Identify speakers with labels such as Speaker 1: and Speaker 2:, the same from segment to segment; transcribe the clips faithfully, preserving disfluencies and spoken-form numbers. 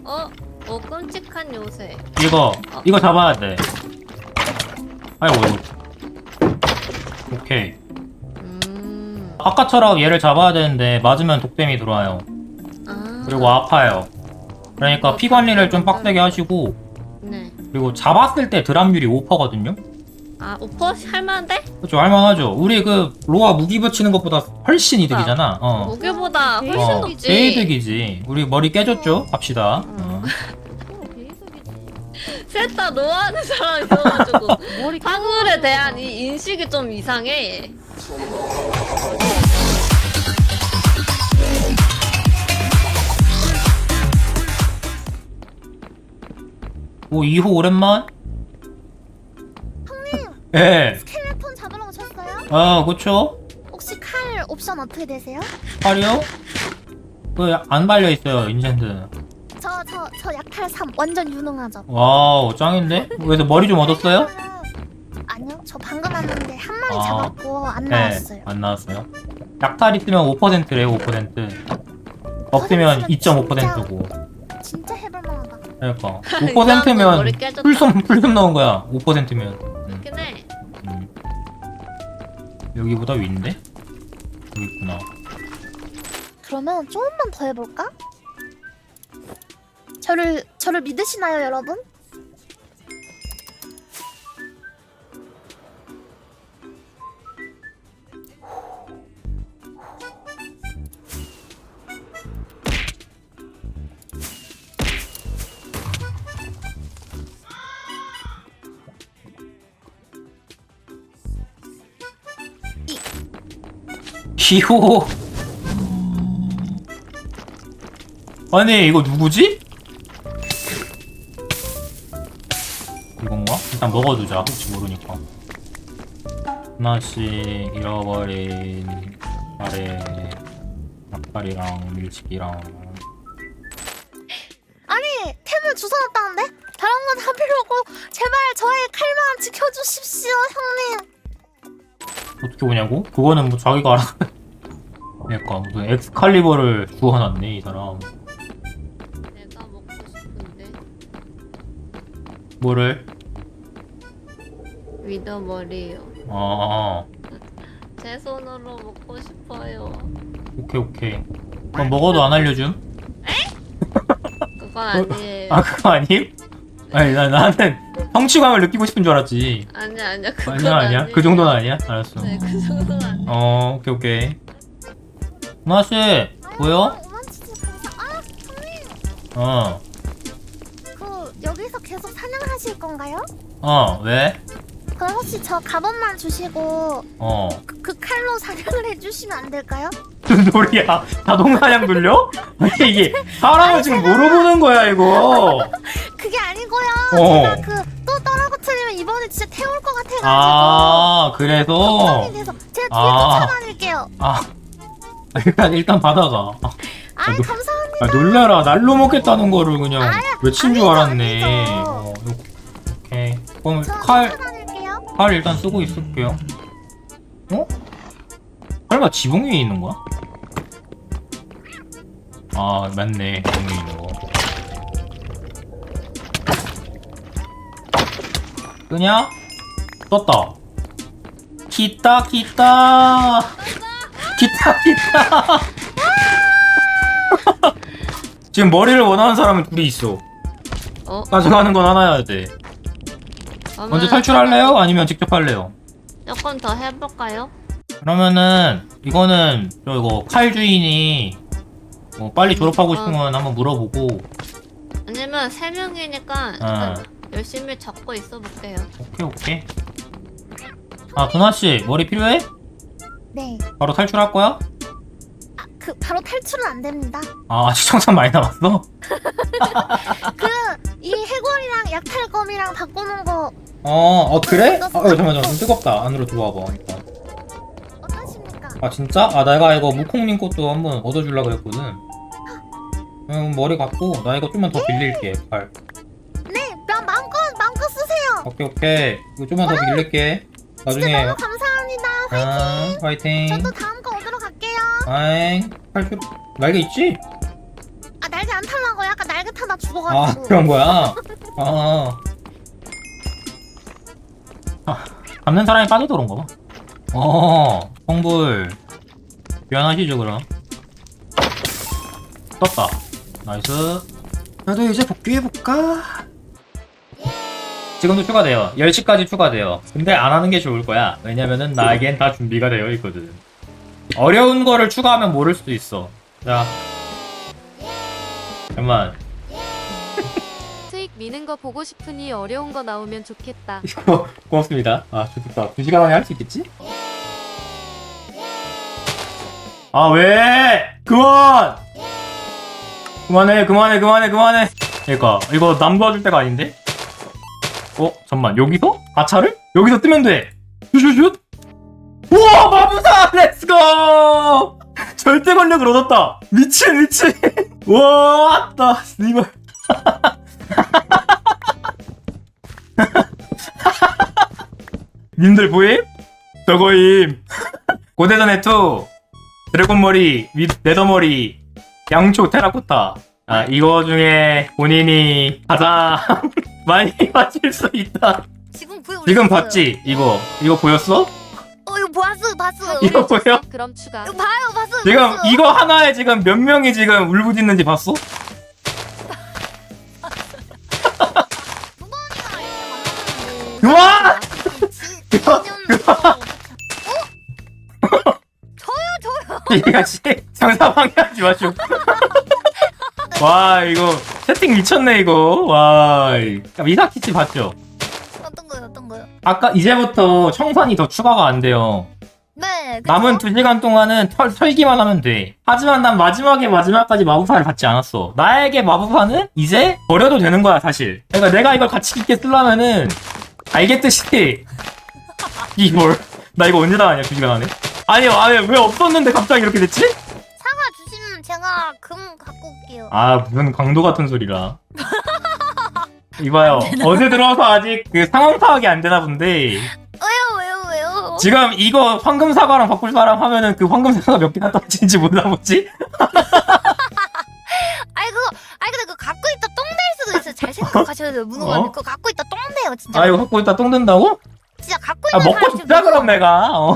Speaker 1: 어? 어 끔찍한 요새.
Speaker 2: 이거
Speaker 1: 어.
Speaker 2: 이거 잡아야 돼. 아이고 이거. 오케이.
Speaker 1: 음.
Speaker 2: 아까처럼 얘를 잡아야 되는데 맞으면 독댐이 들어와요.
Speaker 1: 아.
Speaker 2: 그리고 아파요. 그러니까 피 관리를 좀 빡세게 하시고,
Speaker 1: 네.
Speaker 2: 그리고 잡았을 때 드랍률이 오 퍼센트거든요.
Speaker 1: 아 오퍼 할만한데?
Speaker 2: 그렇죠, 할만하죠. 우리 그 로아 무기 붙이는 것보다 훨씬 이득이잖아. 어.
Speaker 1: 무게보다 훨씬
Speaker 2: 어,
Speaker 1: 높지.
Speaker 2: 개이득이지. 우리 머리 깨졌죠? 갑시다.
Speaker 1: 어.
Speaker 2: 어.
Speaker 1: 셋 다 노하는 사람이 있어가지고 화물에 대한 이 인식이 좀 이상해.
Speaker 2: 오, 이 호 오랜만?
Speaker 3: 형님,
Speaker 2: 예.
Speaker 3: 스켈레톤 잡으러 오셨어요?
Speaker 2: 아, 그쵸?
Speaker 3: 혹시 칼 옵션 어떻게 되세요?
Speaker 2: 팔이요? 그, 안 발려있어요, 인젠드.
Speaker 3: 저, 저, 저 약탈 삼 완전 유능하죠?
Speaker 2: 와우, 짱인데? 그래서 머리 좀 얻었어요?
Speaker 3: 아니요, 저 방금 왔는데 한 마리
Speaker 2: 아.
Speaker 3: 잡았고 안
Speaker 2: 네,
Speaker 3: 나왔어요.
Speaker 2: 안 나왔어요. 약탈 있으면 오 퍼센트래요, 오 퍼센트. 없으면 이 점 오 퍼센트고.
Speaker 3: 진짜 해볼만하다.
Speaker 2: 그러니까. 오
Speaker 1: 머리
Speaker 2: 퍼센트면
Speaker 1: 깨졌다.
Speaker 2: 풀섬, 풀섬 넣은 거야. 오 퍼센트면. 음,
Speaker 1: 그렇긴 해.
Speaker 2: 음. 여기보다 위인데? 여기 있구나.
Speaker 3: 그러면 조금만 더 해볼까? 저를, 저를 믿으시나요, 여러분?
Speaker 2: 기호. 아니, 이거 누구지? 이건가? 일단 먹어두자. 혹시 모르니까. 하나씩 잃어버린 아래 닭다리랑 밀치기랑.
Speaker 3: 아니, 템을 주워놨다는데? 다른 건 다 필요 없고 제발 저의 칼만 지켜주십시오, 형님.
Speaker 2: 어떻게 오냐고? 그거는 뭐 자기가 알아. 그러니까 무슨 엑스칼리버를 주워놨네 이 사람.
Speaker 1: 내가 먹고 싶은데
Speaker 2: 뭐를?
Speaker 1: 위더머리요.
Speaker 2: 아,
Speaker 1: 제 손으로 먹고 싶어요.
Speaker 2: 오케이 오케이. 그럼 먹어도 안 알려줌?
Speaker 1: 그건 아니에요.
Speaker 2: 아, 그거 아님? 아니, 나, 나는 성취감을 느끼고 싶은 줄 알았지.
Speaker 1: 아니야 아니야 그건
Speaker 2: 아니야, 아니야?
Speaker 1: 아니에요.
Speaker 2: 그 정도는 아니야? 알았어.
Speaker 1: 네, 그 정도는 아니야.
Speaker 2: 어, 오케이, 오케이. 누나씨, 보여?
Speaker 3: 오만치즈 감사. 아, 형님.
Speaker 2: 어,
Speaker 3: 그 여기서 계속 사냥하실 건가요?
Speaker 2: 어, 왜?
Speaker 3: 그럼 혹시 저 갑옷만 주시고
Speaker 2: 어.
Speaker 3: 그, 그 칼로 사냥을 해주시면 안 될까요?
Speaker 2: 무슨 소리야? 자동사냥 돌려? 아니, 이게 사람을 지금 물어보는 거야, 이거.
Speaker 3: 그게 아니고요.
Speaker 2: 어.
Speaker 3: 제가 그 또 떨어뜨리면 이번에 진짜 태울 것 같아가지고
Speaker 2: 아, 그래서?
Speaker 3: 걱정이 돼서 제가 뒤에
Speaker 2: 아.
Speaker 3: 쫓아다닐게요.
Speaker 2: 아, 일단, 일단 받아가. 아,
Speaker 3: 아,
Speaker 2: 노-
Speaker 3: 감사합니다.
Speaker 2: 아, 놀라라. 날로 먹겠다는 거를 그냥
Speaker 3: 아유,
Speaker 2: 외친 줄
Speaker 3: 아니죠,
Speaker 2: 알았네.
Speaker 3: 아니죠.
Speaker 2: 어, 오케이. 그럼
Speaker 3: 저
Speaker 2: 칼,
Speaker 3: 쫓아다닐게요.
Speaker 2: 칼 일단 쓰고 있을게요. 어? 설마 지붕 위에 있는 거야? 아, 맞네. 지붕 위에 있는 거. 끄냐? 떴다. 기타, 기타. 기타, 기타. 지금 머리를 원하는 사람은 둘이 있어.
Speaker 1: 어?
Speaker 2: 가져가는 건 하나여야 돼. 먼저 탈출할래요? 아니면 직접 할래요?
Speaker 1: 조금 더 해볼까요?
Speaker 2: 그러면은 이거는 저 이거 칼 주인이 뭐 빨리 졸업하고
Speaker 1: 어.
Speaker 2: 싶으면 한번 물어보고.
Speaker 1: 아니면 세 명이니까
Speaker 2: 어.
Speaker 1: 일단 열심히 잡고 있어 볼게요.
Speaker 2: 오케이 오케이. 아, 두나씨 머리 필요해?
Speaker 3: 네.
Speaker 2: 바로 탈출할 거야?
Speaker 3: 아, 그 바로 탈출은 안 됩니다.
Speaker 2: 아, 시청자 많이 남았어?
Speaker 3: 그 이 해골이랑 약탈검이랑 바꾸는 거
Speaker 2: 어, 어 그래? 아, 어, 잠깐만 좀 뜨겁다. 안으로 들어와봐 일단.
Speaker 3: 어떠십니까?
Speaker 2: 아 진짜? 아, 내가 이거 무콩님 것도 한번 얻어주려고 했거든. 음, 머리 갖고 나 이거 좀만 더 빌릴게. 칼.
Speaker 3: 네, 마- 마음껏 마음껏 쓰세요.
Speaker 2: 오케이 오케이. 이거 좀만 더 빌릴게.
Speaker 3: 진짜
Speaker 2: 나중에.
Speaker 3: 너무 감사합니다.
Speaker 2: 아, 화이팅.
Speaker 3: 저도 다음 거 얻으러 갈게요.
Speaker 2: 아잉. 탈출. 날개 있지?
Speaker 3: 아, 날개 안 타려고 약간 날개 타다
Speaker 2: 아
Speaker 3: 죽어가지고.
Speaker 2: 그런 거야? 아, 아 잡는 사람이 빠져서 그런 거 봐. 어 성불 미안하시죠 그럼. 떴다. 나이스. 나도 이제 복귀해볼까? 지금도 추가돼요. 열 시까지 추가돼요. 근데 안 하는 게 좋을 거야. 왜냐면은 나에겐 다 준비가 되어 있거든. 어려운 거를 추가하면 모를 수도 있어. 자 잠깐만.
Speaker 4: 트익 미는 거 보고 싶으니 어려운 거 나오면 좋겠다.
Speaker 2: 이거 고맙습니다. 아 좋겠다. 두 시간 안에 할 수 있겠지? 아 왜? 그만! 그만해 그만해 그만해 그만해. 그러니까 이거 남 도와줄 때가 아닌데? 어? 잠만 여기서? 가차를? 여기서 뜨면 돼! 슛슛슛! 우와 마부사! 렛츠고! 절대 권력을 얻었다! 미친 미친! 와 왔다! 이걸 님들 보임? 저거임. 고대전의 투 드래곤머리 윗 네더머리 양초 테라코타. 아 이거 중에 본인이 가장 많이 맞힐 수 있다.
Speaker 3: 지금 보여.
Speaker 2: 지금 봤지? 이거 이거 보였어?
Speaker 3: 어 이거 봤어 봤어.
Speaker 2: 이거 보여?
Speaker 4: 그럼 추가.
Speaker 3: 이거 봐요 봤어.
Speaker 2: 지금
Speaker 3: 봤어.
Speaker 2: 이거 하나에 지금 몇 명이 지금 울부짖는지 봤어? 그만!
Speaker 3: 그만!
Speaker 2: 이거 씨 장사 방해하지 마시오. 와 이거 세팅 미쳤네 이거. 와 미사키치 봤죠?
Speaker 3: 어떤 거요 어떤 거요?
Speaker 2: 아까 이제부터 청산이 더 추가가 안 돼요.
Speaker 3: 네. 그쵸?
Speaker 2: 남은 두 시간 동안은 털, 털기만 하면 돼. 하지만 난 마지막에 마지막까지 마부사를 받지 않았어. 나에게 마부사는 이제 버려도 되는 거야 사실. 그러니까 내가 이걸 가치 있게 쓰려면은 알겠듯이 이걸 나 이거 언제 나가냐 두 시간 안에. 아니 아니 왜 없었는데 갑자기 이렇게 됐지?
Speaker 3: 사과 주시면 제가 금 갖고 올게요.
Speaker 2: 아 무슨 강도 같은 소리라. 이봐요 어제 들어와서 아직 그 상황 파악이 안 되나 본데
Speaker 3: 왜요 왜요 왜요?
Speaker 2: 지금 이거 황금 사과랑 바꿀 사람 하면은 그 황금 사과가 몇 개나 떨어지는지 몰라 보지?
Speaker 3: 아이 그거 아이 근데 그거 갖고 있다 똥 될 수도 있어요. 잘 생각하셔야 돼요. 문호가
Speaker 2: 어?
Speaker 3: 그거 갖고 있다 똥 돼요 진짜.
Speaker 2: 아 이거 갖고 있다 똥 든다고?
Speaker 3: 진짜 갖고
Speaker 2: 아
Speaker 3: 있는
Speaker 2: 먹고
Speaker 3: 사람
Speaker 2: 싶다 그럼 내가 어.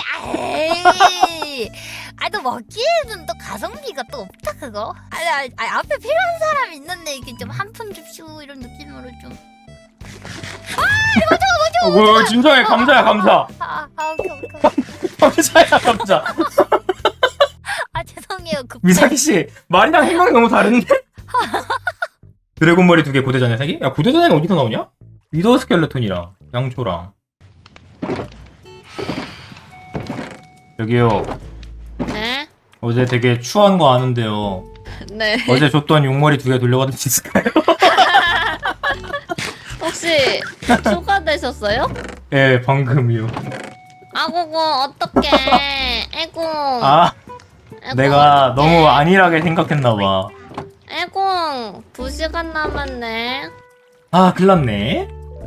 Speaker 3: 에이, 아니 또 먹기에는 또 가성비가 또 없다 그거. 아니, 아니, 아니 앞에 필요한 사람이 있는데 이게 좀 한 푼 줍시오 이런 느낌으로 좀.
Speaker 2: 어, 뭐, 진정해 감자야 감자.
Speaker 3: 아, 아 오케이 오케이.
Speaker 2: 감자야 감자.
Speaker 3: 아 죄송해요 급.
Speaker 2: 미사키 씨 말이랑 행동이 너무 다른데? 드래곤 머리 두 개 고대전에 세 개? 야 고대전에는 어디서 나오냐? 위더 스켈레톤이랑 양초랑. 여기요.
Speaker 1: 네?
Speaker 2: 어제 되게 추한 거 아는데요.
Speaker 1: 네.
Speaker 2: 어제 줬던 용머리 두 개 돌려받을 수 있을까요?
Speaker 1: 혹시 추가되셨어요?
Speaker 2: 예, 방금이요.
Speaker 1: 아고고 어떡해. 에고.
Speaker 2: 아,
Speaker 1: 에고,
Speaker 2: 내가
Speaker 1: 어떡해.
Speaker 2: 너무 안일하게 생각했나봐.
Speaker 1: 에고 두 시간 남았네.
Speaker 2: 아, 큰일났네.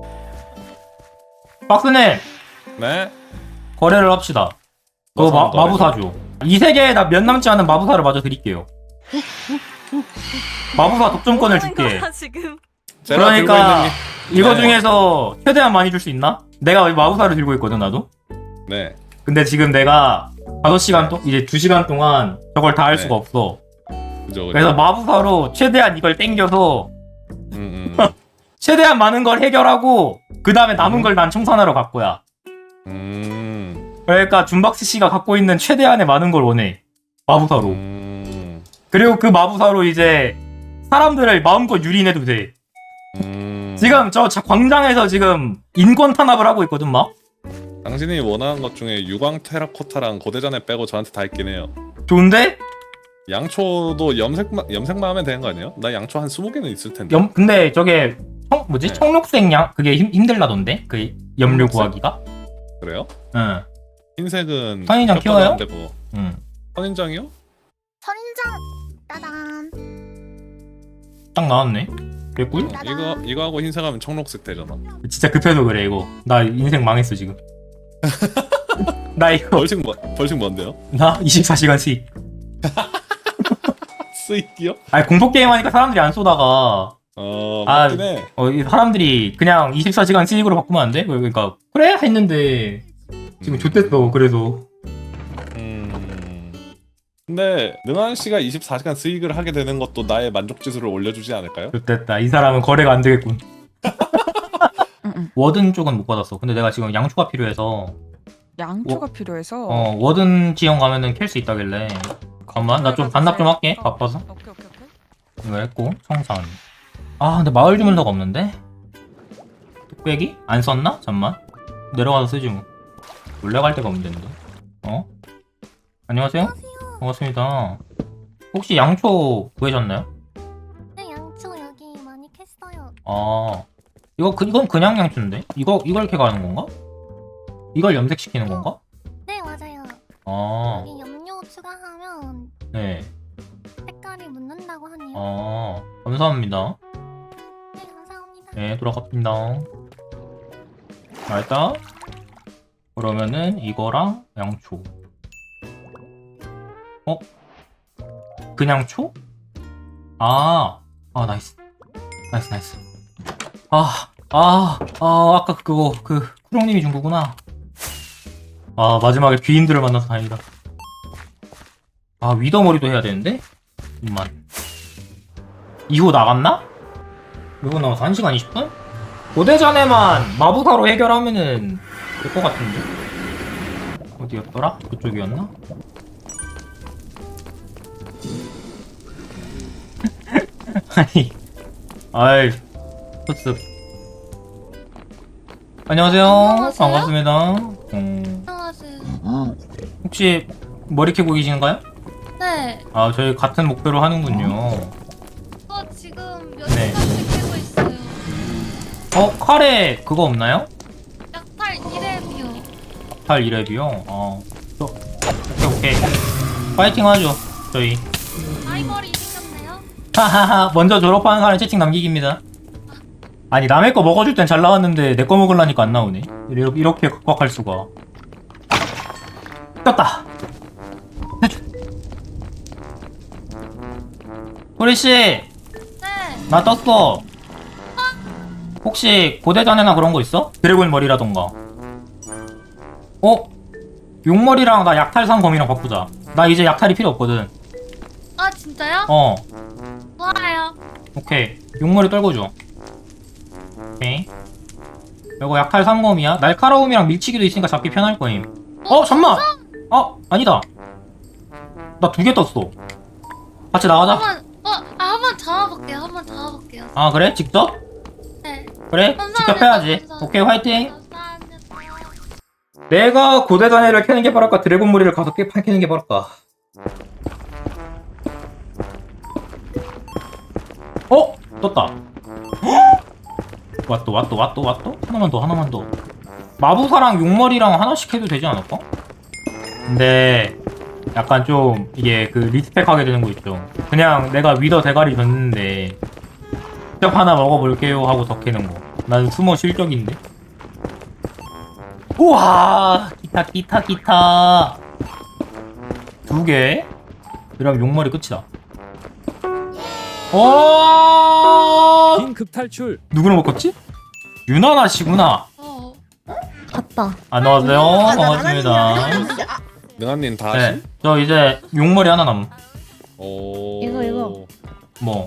Speaker 2: 박스님,
Speaker 5: 네?
Speaker 2: 거래를 합시다. 그거 마,
Speaker 5: 어떤 거래죠?
Speaker 2: 마부사 줘. 이 세계에 나 몇 남지 않은 마부사를 마저 드릴게요. 마부사 독점권을 줄게.
Speaker 4: 지금.
Speaker 5: 제가 들고
Speaker 2: 그러니까
Speaker 5: 있는
Speaker 2: 이거
Speaker 5: 네.
Speaker 2: 중에서 최대한 많이 줄 수 있나? 내가 마부사를 들고 있거든 나도.
Speaker 5: 게 네.
Speaker 2: 근데 지금 내가 다섯 시간 동 이제 두 시간 동안 저걸 다 할
Speaker 5: 네.
Speaker 2: 수가 없어.
Speaker 5: 그죠 그죠.
Speaker 2: 그래서 마부사로 최대한 이걸 땡겨서
Speaker 5: 음, 음.
Speaker 2: 최대한 많은 걸 해결하고 그 다음에 남은
Speaker 5: 음.
Speaker 2: 걸 난 청산하러 갈 거야.
Speaker 5: 음.
Speaker 2: 그러니까 준박스 씨가 갖고 있는 최대한의 많은 걸 원해. 마부사로.
Speaker 5: 음.
Speaker 2: 그리고 그 마부사로 이제 사람들을 마음껏 유린해도 돼.
Speaker 5: 음.
Speaker 2: 지금 저 자- 광장에서 지금 인권 탄압을 하고 있거든 막.
Speaker 5: 당신이 원하는 것 중에 유광 테라코타랑 고대전에 빼고 저한테 다 있긴 해요.
Speaker 2: 좋은데?
Speaker 5: 양초도 염색만 염색만 하면 되는 거 아니에요? 나 양초 한 스무 개는 있을 텐데.
Speaker 2: 염 근데 저게 청 뭐지?
Speaker 5: 네.
Speaker 2: 청록색 양 그게 힘, 힘들라던데? 그 염료
Speaker 5: 청록색?
Speaker 2: 구하기가?
Speaker 5: 그래요?
Speaker 2: 응.
Speaker 5: 흰색은
Speaker 2: 선인장
Speaker 5: 겹쳐도
Speaker 2: 키워요?
Speaker 5: 안 되고.
Speaker 2: 응.
Speaker 5: 선인장이요?
Speaker 3: 선인장 따단.
Speaker 2: 딱 나왔네. 개꿀?
Speaker 5: 어, 이거 이거 하고 흰색하면 청록색 되잖아.
Speaker 2: 진짜 급해서 그래 이거. 나 인생 망했어 지금. 나 이거
Speaker 5: 벌칙 뭐 벌칙 뭔데요?
Speaker 2: 나 이십사 시간 수익.
Speaker 5: 스익이요?
Speaker 2: 아니 공포 게임 하니까 사람들이 안 쏘다가
Speaker 5: 어
Speaker 2: 아,
Speaker 5: 맞긴 해.
Speaker 2: 어, 이 사람들이 그냥 이십사 시간 스익으로 바꾸면 안 돼? 그러니까 그래 했는데 지금 좆됐어. 그래서
Speaker 5: 음. 근데 능한 씨가 이십사 시간 스익을 하게 되는 것도 나의 만족 지수를 올려주지 않을까요?
Speaker 2: 좆됐다. 이 사람은 거래가 안 되겠군.
Speaker 6: 응, 응.
Speaker 2: 워든 쪽은 못 받았어. 근데 내가 지금 양초가 필요해서
Speaker 6: 양초가 필요해서.
Speaker 2: 어 워든 지형 가면은 캘 수 있다길래 잠깐만 나 좀 반납 좀 할게. 바빠서.
Speaker 6: 오케이 오케이 오케이.
Speaker 2: 이거 했고 청산. 아 근데 마을 주문서가 없는데? 뚝배기? 안 썼나? 잠만 내려가서 쓰지 뭐. 원래 갈 데가 없는데. 어? 안녕하세요? 반갑습니다. 혹시 양초 구해셨나요?
Speaker 3: 네, 양초 여기 많이 캤어요.
Speaker 2: 아 이거 그, 이건 그냥 양초인데? 이거 이걸 이렇게 가는 건가? 이걸 염색시키는 건가?
Speaker 3: 네, 맞아요.
Speaker 2: 아
Speaker 3: 여기 염료 추가하면
Speaker 2: 네.
Speaker 3: 색깔이 묻는다고 하네요.
Speaker 2: 아 감사합니다.
Speaker 3: 네, 감사합니다.
Speaker 2: 네 돌아갑니다. 알다. 그러면은 이거랑 양초. 어? 그냥 초? 아, 아 나이스, 나이스 나이스. 아, 아, 아 아까 그거 그 쿠롱님이 준 거구나. 아 마지막에 귀인들을 만나서 다행이다. 아 위더 머리도 해야 되는데? 잠깐만. 이후 나갔나? 몇 분 남았어? 한 시간 이십 분? 고대 전에만 마부사로 해결하면은 될 것 같은데? 어디였더라? 그쪽이었나? 아니, 아이, 흡습. 안녕하세요.
Speaker 3: 안녕하세요.
Speaker 2: 반갑습니다. 음,
Speaker 3: 안녕하세요.
Speaker 2: 혹시 머리 캐고 계신가요?
Speaker 3: 네,
Speaker 2: 아, 저희 같은 목표로 하는군요.
Speaker 3: 저 지금 몇
Speaker 2: 네.
Speaker 3: 시간씩 캐고 있어요.
Speaker 2: 어, 카레 그거 없나요?
Speaker 3: 약탈 일 렙이요.
Speaker 2: 팔 이 렙이요? 어, 저, 오케이, 오케이. 파이팅 하죠, 저희.
Speaker 3: 라이벌이 생겼네요.
Speaker 2: 하하하, 먼저 졸업하는 사람 채팅 남기기입니다. 아니, 남의 거 먹어줄 땐 잘 나왔는데 내 거 먹으려니까 안 나오네. 이렇게, 이렇게 각박할 수가. 떴다! 소리씨!
Speaker 3: 네,
Speaker 2: 나 떴어. 혹시 고대전에나 그런 거 있어? 드래곤 머리라던가. 어? 용머리랑 나 약탈상 검이랑 바꾸자. 나 이제 약탈이 필요 없거든.
Speaker 3: 아 진짜요?
Speaker 2: 어.
Speaker 3: 좋아요.
Speaker 2: 오케이. 용머리 떨궈줘. 오케이. 이거 약탈 삼 검이야. 날카로움이랑 밀치기도 있으니까 잡기 편할 거임. 어? 잠만! 어? 아니다. 나 두 개 떴어. 같이 나가자.
Speaker 3: 한번 어, 아, 한번 잡아볼게요. 한번 잡아볼게요.
Speaker 2: 아 그래? 직접?
Speaker 3: 네.
Speaker 2: 그래?
Speaker 3: 감사합니다.
Speaker 2: 직접 해야지.
Speaker 3: 감사합니다.
Speaker 2: 오케이 화이팅!
Speaker 3: 감사합니다.
Speaker 2: 내가 고대단해를 캐는 게 빠를까? 드래곤 머리를 가서 깨 캐는 게 빠를까? 어? 떴다. 헉! 왔또 왔또 왔또 왔또? 하나만 더 하나만 더. 마부사랑 용머리랑 하나씩 해도 되지 않을까? 근데 약간 좀 이게 그 리스펙하게 되는 거 있죠. 그냥 내가 위더 대가리 줬는데 직접 하나 먹어볼게요 하고 더 캐는 거. 난 수모 실격인데. 우와 기타 기타 기타 두 개. 그럼 용머리 끝이다. 오
Speaker 7: 긴급 탈출.
Speaker 2: 누구를 먹었지? 유나나 씨구나.
Speaker 3: 어.
Speaker 1: 갔다.
Speaker 2: 안녕하세요. 반갑습니다.
Speaker 5: 능한님 다
Speaker 2: 네,
Speaker 5: 하시?
Speaker 2: 저 이제 용머리 하나 남.
Speaker 5: 오.
Speaker 1: 이거, 이거.
Speaker 2: 뭐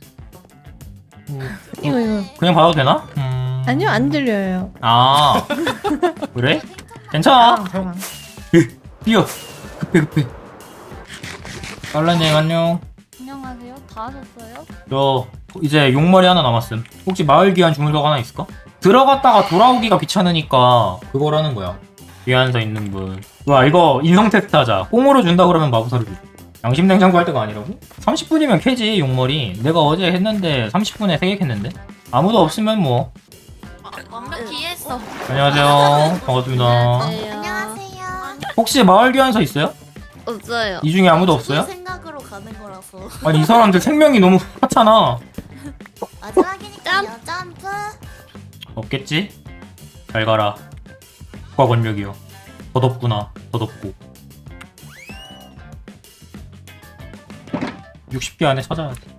Speaker 2: 음,
Speaker 1: 이거 이거.
Speaker 2: 그냥 봐도 되나? 음...
Speaker 1: 아니요 안 들려요.
Speaker 2: 아 그래? 괜찮아.
Speaker 1: 저랑.
Speaker 2: 뛰어. 급해 급해. 빨라님 안녕.
Speaker 3: 안녕하세요. 다 하셨어요?
Speaker 2: 저 이제 용머리 하나 남았음. 혹시 마을 귀환 주문서가 하나 있을까? 들어갔다가 돌아오기가 귀찮으니까 그걸 하는 거야. 귀환서 있는 분. 와 이거 인성 테스트 하자. 꽁으로 준다 그러면 마부사를 줘. 양심 냉장고 할 때가 아니라고? 삼십 분이면 캐지 용머리. 내가 어제 했는데 삼십 분에 세 개 캤는데? 아무도 없으면 뭐.
Speaker 3: 완벽히 이해했어.
Speaker 2: 안녕하세요. 반갑습니다.
Speaker 3: 안녕하세요.
Speaker 2: 혹시 마을 귀환서 있어요?
Speaker 1: 없어요.
Speaker 2: 이 중에 아무도 없어요?
Speaker 3: 생각으로 가는 거라서.
Speaker 2: 아니 이 사람들 생명이 너무 하찮아.
Speaker 3: 마지막이니까요. 점프.
Speaker 2: 없겠지? 잘 가라. 국가 권력이여. 더 덥구나. 더 덥고. 육십 개 안에 찾아야 돼.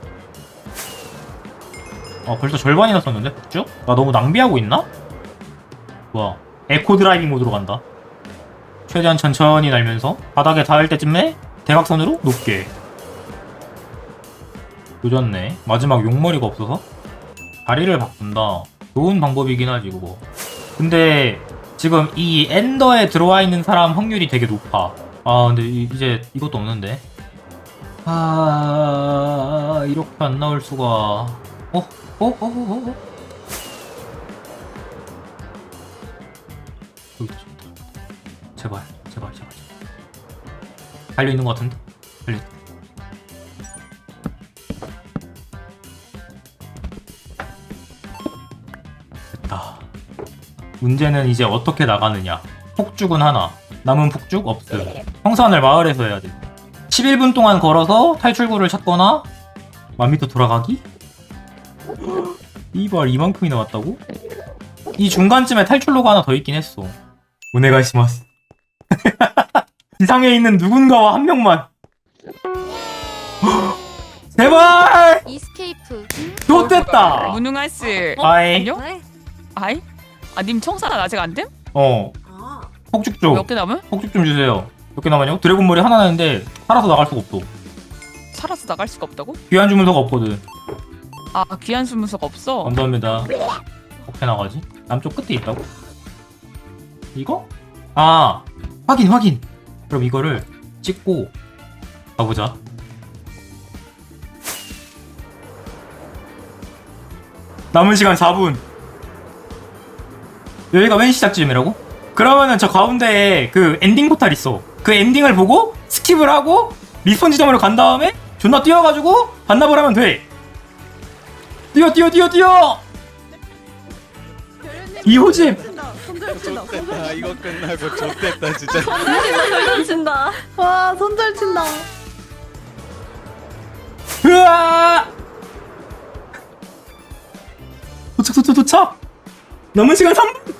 Speaker 2: 아 벌써 절반이나 썼는데 북쭉? 나 너무 낭비하고 있나? 뭐야 에코 드라이빙 모드로 간다. 최대한 천천히 날면서 바닥에 닿을 때쯤에 대각선으로 높게. 늦었네. 마지막 용머리가 없어서 다리를 바꾼다. 좋은 방법이긴 하지 그거. 근데 지금 이 엔더에 들어와 있는 사람 확률이 되게 높아. 아 근데 이, 이제 이것도 없는데. 아 이렇게 안 나올 수가. 어? 어? 어? 어? 어? 어? 여기 있다. 제발 제발 제발 달려있는 것 같은데? 달려있다. 됐다. 문제는 이제 어떻게 나가느냐. 폭죽은 하나, 남은 폭죽 없음. 청산을 마을에서 해야 돼. 십일 분 동안 걸어서 탈출구를 찾거나 만 미터 돌아가기? 이발 이만큼이 나왔다고? 이 중간쯤에 탈출로가 하나 더 있긴 했어. 오네가시마스. 지상에 있는 누군가와 한 명만. 제발!
Speaker 4: 이스케이프.
Speaker 2: 좋됐다!
Speaker 6: 무능할 씨.
Speaker 2: 아이.
Speaker 6: 안녕? 아이? 아, 님 청산은 아직 안 됨?
Speaker 2: 어. 폭죽 좀.
Speaker 6: 몇 개 남은?
Speaker 2: 폭죽 좀 주세요. 몇 개 남았냐고? 드래곤 머리 하나 나는데 살아서 나갈 수가 없어.
Speaker 6: 살아서 나갈 수가 없다고?
Speaker 2: 귀한 주문서가 없거든.
Speaker 6: 아, 귀한 수문서가 없어?
Speaker 2: 감사합니다. 어떻게 나가지? 남쪽 끝에 있다고? 이거? 아 확인 확인. 그럼 이거를 찍고 가보자. 남은 시간 사 분. 여기가 맨 시작점이라고? 그러면은 저 가운데에 그 엔딩 포탈 있어. 그 엔딩을 보고 스킵을 하고 리스폰 지점으로 간 다음에 존나 뛰어가지고 반납을 하면 돼. 뛰어 뛰어 뛰어 뛰어. 이호집.
Speaker 7: 좋됐다. 이거 끝나고 좋됐다 진짜.
Speaker 1: 손절 친다. 와 손절 친다.
Speaker 2: 으아! 도착 도착 도착. 남은 시간 삼 분.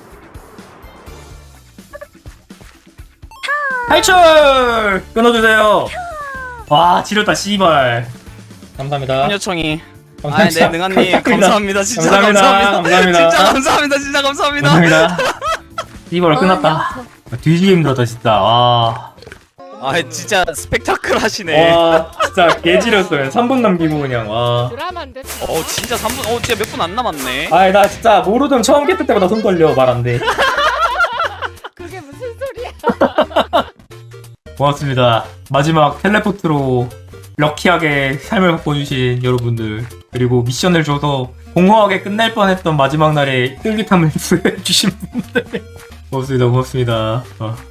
Speaker 2: 탈출! 끊어주세요. 와 지렸다 씨발. 감사합니다.
Speaker 7: 요청이. 아,
Speaker 2: 감사합니다.
Speaker 7: 네, 능아님 감사합니다. 진짜
Speaker 2: 감사합니다.
Speaker 7: 감사합니다.
Speaker 2: 감사합니다.
Speaker 7: 진짜 감사합니다. 진짜 감사합니다.
Speaker 2: 감사합니다. 씨발 끝났다. 뒤지게 힘들었다 진짜. 와.
Speaker 7: 아, 진짜 스펙타클 하시네.
Speaker 2: 와 진짜 개지렸어요. 삼 분 남기고 그냥 와.
Speaker 6: 드라마인데?
Speaker 7: 어, 진짜 삼 분. 어, 진짜 몇 분 안 남았네.
Speaker 2: 아이 나 진짜 모르던 처음 깼을 때마다 손 떨려. 말 안 돼.
Speaker 6: 그게 무슨 소리야?
Speaker 2: 고맙습니다. 마지막 텔레포트로 럭키하게 삶을 바꿔주신 여러분들, 그리고 미션을 줘서 공허하게 끝날 뻔했던 마지막 날에 쫄깃함을 부여해주신 분들 고맙습니다. 고맙습니다. 어.